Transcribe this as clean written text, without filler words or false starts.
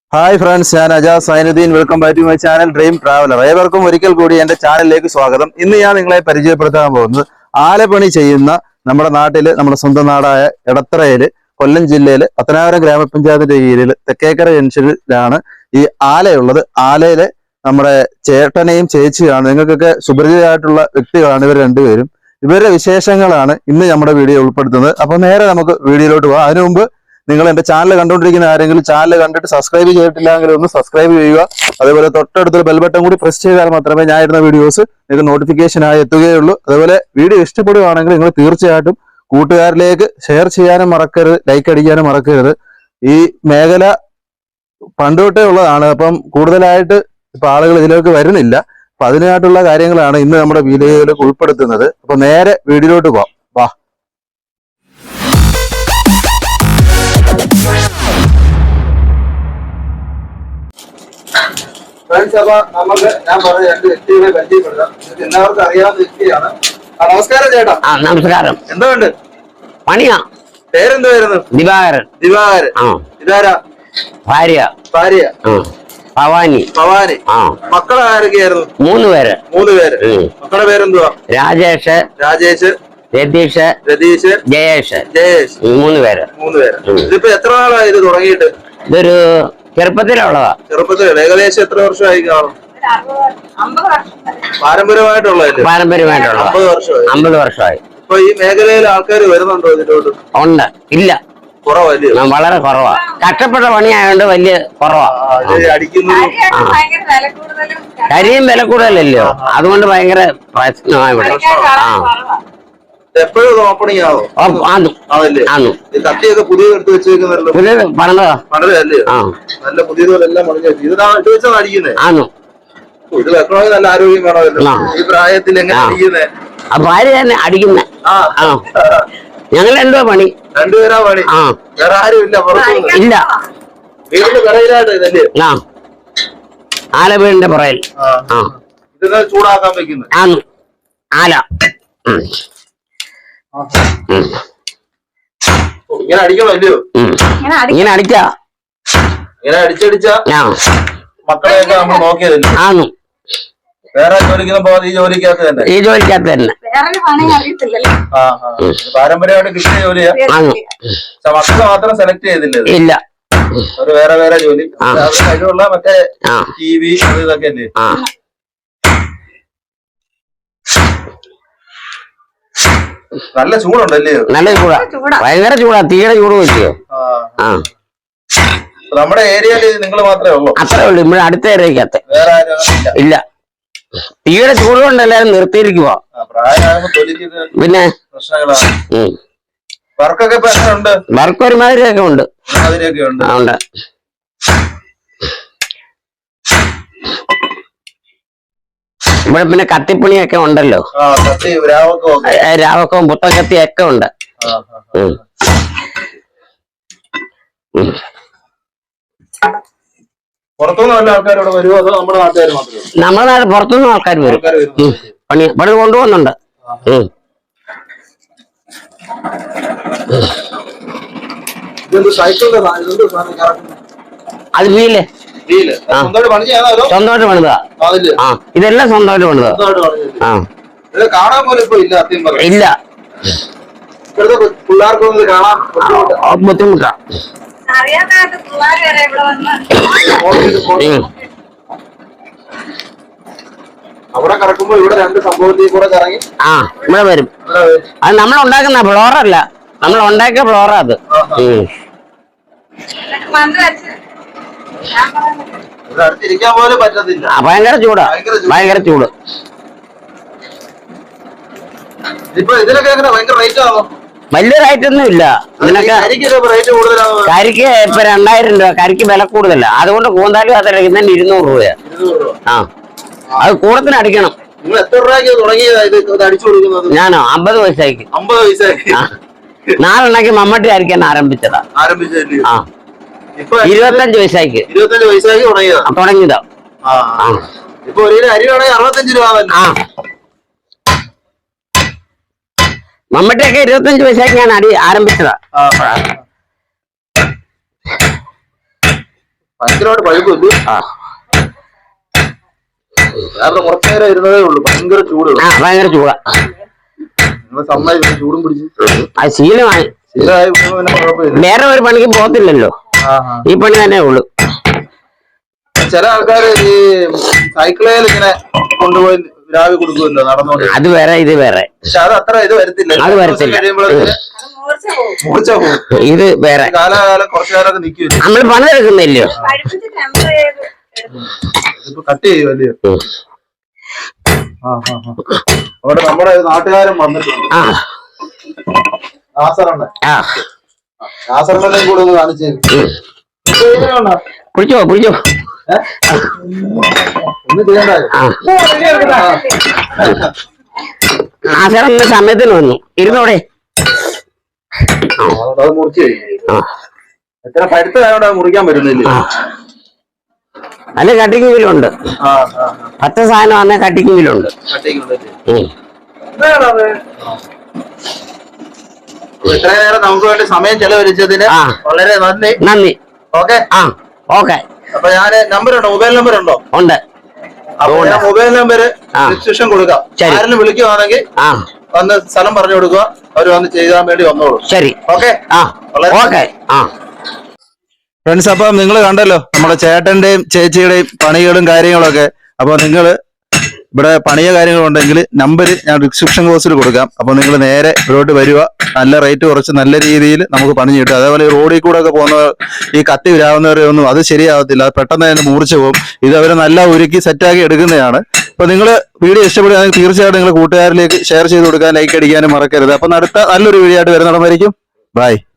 Hi friends, ഞാൻ Ajas Sainudeen. Welcome back to my channel dream traveller. ഏവർക്കും ഒരിക്കൽ കൂടി എന്റെ ചാനലിലേക്ക് സ്വാഗതം. ഇന്ന് ഞാൻ നിങ്ങളെ പരിചയപ്പെടുത്താൻ പോകുന്നത് ആലപ്പണി ചെയ്യുന്ന നമ്മുടെ നാട്ടില്, നമ്മുടെ സ്വന്തം നാടായ എടത്തറയില്, കൊല്ലം ജില്ലയില് പത്തനാപുരം ഗ്രാമപഞ്ചായത്തിന്റെ കീഴിൽ തെക്കേക്കര ജംഗ്ഷനിലാണ് ഈ ആലയുള്ളത്. ആലയിലെ നമ്മുടെ ചേട്ടനെയും ചേച്ചിയാണ്. നിങ്ങൾക്കൊക്കെ സുപരിചിതമായിട്ടുള്ള വ്യക്തികളാണ് ഇവർ രണ്ടുപേരും. ഇവരുടെ വിശേഷങ്ങളാണ് ഇന്ന് നമ്മുടെ വീഡിയോ ഉൾപ്പെടുത്തുന്നത്. അപ്പൊ നേരെ നമുക്ക് വീഡിയോയിലോട്ട് പോകാം. അതിനു മുമ്പ് നിങ്ങൾ എന്റെ ചാനൽ കണ്ടുകൊണ്ടിരിക്കുന്ന ആരെങ്കിലും ചാനൽ കണ്ടിട്ട് സബ്സ്ക്രൈബ് ചെയ്തിട്ടില്ലെങ്കിൽ ഒന്ന് സബ്സ്ക്രൈബ് ചെയ്യുക. അതേപോലെ തൊട്ടടുത്തൊരു ബെൽ ബട്ടൺ കൂടി പ്രസ് ചെയ്താൽ മാത്രമേ ഞാൻ ഇടുന്ന വീഡിയോസ് നിങ്ങൾക്ക് നോട്ടിഫിക്കേഷൻ ആയി എത്തുകയുള്ളൂ. അതുപോലെ വീഡിയോ ഇഷ്ടപ്പെടുകയാണെങ്കിൽ നിങ്ങൾ തീർച്ചയായിട്ടും കൂട്ടുകാരിലേക്ക് ഷെയർ ചെയ്യാനും മറക്കരുത്, ലൈക്ക് അടിക്കാനും മറക്കരുത്. ഈ മേഖല പണ്ടുതൊട്ടേ ഉള്ളതാണ്. അപ്പം കൂടുതലായിട്ട് ഇപ്പൊ ആളുകൾ ഇതിലേക്ക് വരുന്നില്ല. അപ്പൊ അതിനായിട്ടുള്ള കാര്യങ്ങളാണ് ഇന്ന് നമ്മുടെ വീഡിയോയിലേക്ക് ഉൾപ്പെടുത്തുന്നത്. അപ്പൊ നേരെ വീഡിയോയിലോട്ട് പോവാം. വാ. ഫ്രണ്ട്സ്, അപ്പൊ നമുക്ക് ഞാൻ പറഞ്ഞ രണ്ട് വ്യക്തികളെ പരിചയപ്പെടുത്താം. എല്ലാവർക്കും അറിയാവുന്ന വ്യക്തിയാണ്. നമസ്കാരം ചേട്ടാ. നമസ്കാരം. എന്തുകൊണ്ട് പണിയാ? പേരെന്തുവായിരുന്നു? ദിവാകരൻ. ദിവാകരൻ. ഇതാരാ? ഭാര്യ. ഭാര്യ ഭവാനി. ഭവാനി. മക്കളെ ആരൊക്കെയായിരുന്നു? 3 പേര്. 3 പേര്. മക്കളുടെ പേരെന്തുവാ? രാജേഷ്, രാജേഷ്, രതീഷ്, രതീഷ്, ജയേഷ്. ജയേഷ്. 3 പേര്. 3 പേര്. ഇതിപ്പോ എത്ര നാളായി ഇത് തുടങ്ങിയിട്ട്? ഇതൊരു ചെറുപ്പത്തിലുള്ളതാ. ചെറുപ്പത്തിൽ ഏകദേശം എത്ര വർഷമായി കാണും? പാരമ്പര്യമായിട്ടുള്ളതല്ലേ? പാരമ്പര്യമായിട്ടുള്ള 50 വർഷമായി. 50 വർഷമായി. ഇപ്പൊ ഈ മേഖലയിൽ ആൾക്കാർ വരുന്നുണ്ടോ ഇതിലോട്ട്? ഉണ്ട്. ഇല്ല, കുറവല്ലേ? വളരെ കുറവാ. കഷ്ടപ്പെട്ട പണിയായോണ്ട് വലിയ കുറവാ. അടിക്കുന്നതും കരിയും വില കൂടുതലല്ലോ, അതുകൊണ്ട് ഭയങ്കര പ്രശ്നമായി ഇവിടെ. എപ്പോഴും ഓപ്പണിംഗ് ആവോ? അതല്ലേ? കത്തിയൊക്കെ പുതിയത് എടുത്ത് വെച്ചേക്കുന്നല്ലോ. പുതിയത് പണിതാ. പണിതല്ലേ? നല്ല പുതിയതെല്ലാം പണിഞ്ഞു വെച്ചു. ഇതാണ് ഇട്ട് വെച്ചാണ് അടിക്കുന്നത്. ആന്നു. ഇത് വെക്കണമെങ്കിൽ നല്ല ആരോഗ്യം വേണമല്ലോ. ഈ പ്രായത്തിൽ എങ്ങനെ അടിക്കുന്നേ? ഭാര്യ തന്നെ അടിക്കുന്ന. ഞങ്ങൾ 2 പണി. 2 പേരാ പണി. വേറെ ആരും ഇല്ല? ഇല്ല. വീടിന്റെ പിറയിലായിട്ട് ഇതല്ലേ? ആല വീടിന്റെ പുറയിൽ. ഇതിനെ ചൂടാക്കാൻ വെക്കുന്നത്. ആല ഇങ്ങനെ അടിക്കണോ? അല്ലയോ? ഇങ്ങനെ അടിച്ചാ, ഇങ്ങനെ അടിച്ചടിച്ച മക്കളെയൊക്കെ നമ്മൾ നോക്കിയതല്ലേ? വേറെ ജോലിക്കൊന്നും പോകാതെ ഈ ജോലിക്കകത്ത് തന്നെ. ഈ ജോലിക്കകത്ത് തന്നെ. പാരമ്പര്യമായിട്ട് കിട്ടിയ ജോലിയാ. മക്കളെ മാത്രം സെലക്ട് ചെയ്തില്ല. ഇല്ല, ഒരു വേറെ വേറെ ജോലി. കഴിവുള്ള മറ്റേ TV അത് ഇതൊക്കെ അല്ലേ? നല്ല ചൂടുണ്ടല്ലേ? നല്ല ചൂടാ, ഭയങ്കര ചൂടാ. തീയുടെ ചൂട് വെച്ചോ. നമ്മുടെ ഏരിയയില് നിങ്ങൾ മാത്രമേ ഉള്ളൂ? അത്രേ ഉള്ളൂ. ഇവിടെ അടുത്ത ഏരിയക്കകത്ത് വേറെ ആരും ഇല്ല. തീയുടെ ചൂട് കൊണ്ട് എല്ലാരും നിർത്തിയിരിക്കുവാ. പിന്നെ വർക്കൊക്കെ ഉണ്ട്. വർക്ക് ഒരുമാതിരിയൊക്കെ ഉണ്ട്. ഉണ്ട്. ഇവിടെ പിന്നെ കത്തിപ്പണിയൊക്കെ ഉണ്ടല്ലോ. രാവക്കവും പുത്തക്കത്തിയൊക്കെ ഉണ്ട്. നമ്മുടെ നാട് പുറത്തുനിന്നും ആൾക്കാർ വരും. പണി ഇവിടെ കൊണ്ടുപോകുന്നുണ്ട്. അത് വീല് സ്വന്തമായിട്ട് പണിതാ. ഇതെല്ലാം സ്വന്തമായിട്ട് പണിതാ. ഇല്ല, ബുദ്ധിമുട്ടാ. അവിടെ കറക്കുമ്പോ ഇവിടെ 2 സംഭവത്തിൽ കൂടെ കറങ്ങി ഇവിടെ വരും. അത് നമ്മൾ ഉണ്ടാക്കുന്ന ഫ്ലോറല്ല, നമ്മൾ ഉണ്ടാക്കിയ ഫ്ലോറാ അത്. അടുത്തിരിക്കാൻ പോലും പറ്റത്തില്ല. ഭയങ്കര ചൂടാ, ഭയങ്കര ചൂട്. ഇപ്പൊ ഇതിനൊക്കെ എങ്ങനെ ഭയങ്കര റേറ്റ് ആണോ? വലിയ റേറ്റ് ഒന്നും ഇല്ല. കരിക്ക് ഇപ്പൊ 2000 രൂപ. കരിക്ക് വില കൂടുതല. അതുകൊണ്ട് കൂന്താലും അത് ഇന്നലെ 200 രൂപയാ. അത് കൂടത്തിന് അടിക്കണം. ഞാനോ 50 പൈസയ്ക്ക്. 4 എണ്ണയ്ക്ക് മമ്മട്ടി അരിക്കാൻ ആരംഭിച്ചതാ. 25 പൈസയ്ക്ക് തുടങ്ങിയതാ. മമ്മട്ടിയൊക്കെ 25 പൈസയ്ക്ക് ഞാൻ ആരംഭിച്ചതാ. ഭയങ്കരമായിട്ട് പഴുപ്പില്ല. ആ വേറെ കുറച്ചു നേരം ഇരുന്നതേ ഉള്ളൂ, ഭയങ്കര ചൂട്. ആ ഭയങ്കര ചൂടാ. നിങ്ങൾ സമ്മതിച്ചു ചൂടും പിടിച്ച് അത് ശീലമായി. ശീലമായി പിന്നെ കുഴപ്പമില്ല. വേറെ ഒരു പണിക്ക് പോകത്തില്ലല്ലോ, ഈ പണി തന്നെ ഉള്ളു. ചില ആൾക്കാർ ഈ സൈക്കിളിൽ ഇങ്ങനെ കൊണ്ടുപോയി രാവി കൊടുക്കുമല്ലോ നടന്നോണ്ട്. അത് വേറെ ഇത് വേറെ. പക്ഷെ അത് അത്ര ഇത് വരത്തില്ല. അത് വരത്തില്ല. കഴിയുമ്പോഴത്തേക്ക് മൂർച്ച പോകും. ഇത് വേറെ. കാലകാലം കുറച്ചു കാലമൊക്കെ നിൽക്കുമല്ലോ. നമ്മൾ പണി എടുക്കുന്നില്ലയോ. ഇപ്പൊ കട്ട് ചെയ്യുമല്ലയോ. അവിടെ നമ്മുടെ നാട്ടുകാരൻ വന്നിട്ടുണ്ട്. നാസറണ്ണൻ. നാസറണ്ണനെ കൂടെ ഒന്ന് കാണിച്ചു. പിടിച്ചോ പിടിച്ചോ. ഒന്നും ചെയ്യണ്ടായോ. നാസറിന്റെ സമയത്തിന് വന്നു. ഇരുന്നോടെ. അത് മുറിച്ച് എത്ര പഴുത്തതായോണ്ട് അത് മുറിക്കാൻ പറ്റുന്നില്ല. അല്ല കട്ടിങ് വീലുണ്ട്. പച്ച സാധനം വന്ന കട്ടിങ് വീലുണ്ട്. ഇത്രയും നേരം നമുക്ക് വേണ്ടി സമയം ചെലവഴിച്ചതിന് വളരെ നന്ദി. നന്ദി. ഓക്കെ. ഓക്കെ. അപ്പൊ ഞാന് നമ്പർ ഉണ്ടോ, മൊബൈൽ നമ്പർ ഉണ്ടോ? ഉണ്ട്. അപ്പൊ ഞാൻ മൊബൈൽ നമ്പർ ഡിസ്ക്രിപ്ഷൻ കൊടുക്കാം. ആരെങ്കിലും വിളിക്കുവാണെങ്കിൽ വന്ന് സ്ഥലം പറഞ്ഞു കൊടുക്കുക, അവർ വന്ന് ചെയ്യാൻ വേണ്ടി വന്നോളൂ. ശരി. ഓക്കെ. ഓക്കെ. ഫ്രണ്ട്സ്, അപ്പം നിങ്ങൾ കണ്ടല്ലോ നമ്മുടെ ചേട്ടന്റെയും ചേച്ചിയുടെയും പണികളും കാര്യങ്ങളൊക്കെ. അപ്പൊ നിങ്ങൾ ഇവിടെ പണിയ കാര്യങ്ങളുണ്ടെങ്കിൽ നമ്പർ ഞാൻ ഡിസ്ക്രിപ്ഷൻ ബോക്സിൽ കൊടുക്കാം. അപ്പൊ നിങ്ങൾ നേരെ ഇവിടോട്ട് വരിക. നല്ല റേറ്റ് കുറച്ച് നല്ല രീതിയിൽ നമുക്ക് പണി കിട്ടും. അതേപോലെ ഈ റോഡിൽ കൂടെ ഒക്കെ പോകുന്നവർ ഈ കത്തി വിരാവുന്നവരെ ഒന്നും അത് ശരിയാവത്തില്ല, അത് പെട്ടെന്ന് തന്നെ മൂർച്ച പോകും. ഇത് അവരെ നല്ല ഒരുക്കി സെറ്റാക്കി എടുക്കുന്നതാണ്. അപ്പൊ നിങ്ങൾ വീഡിയോ ഇഷ്ടപ്പെടുകയാണെങ്കിൽ തീർച്ചയായിട്ടും നിങ്ങൾ കൂട്ടുകാരിലേക്ക് ഷെയർ ചെയ്ത് കൊടുക്കാൻ, ലൈക്ക് അടിക്കാനും മറക്കരുത്. അപ്പൊ അടുത്ത നല്ലൊരു വീഡിയോ ആയിട്ട് വരുന്നിടം വരയ്ക്കും. ബൈ.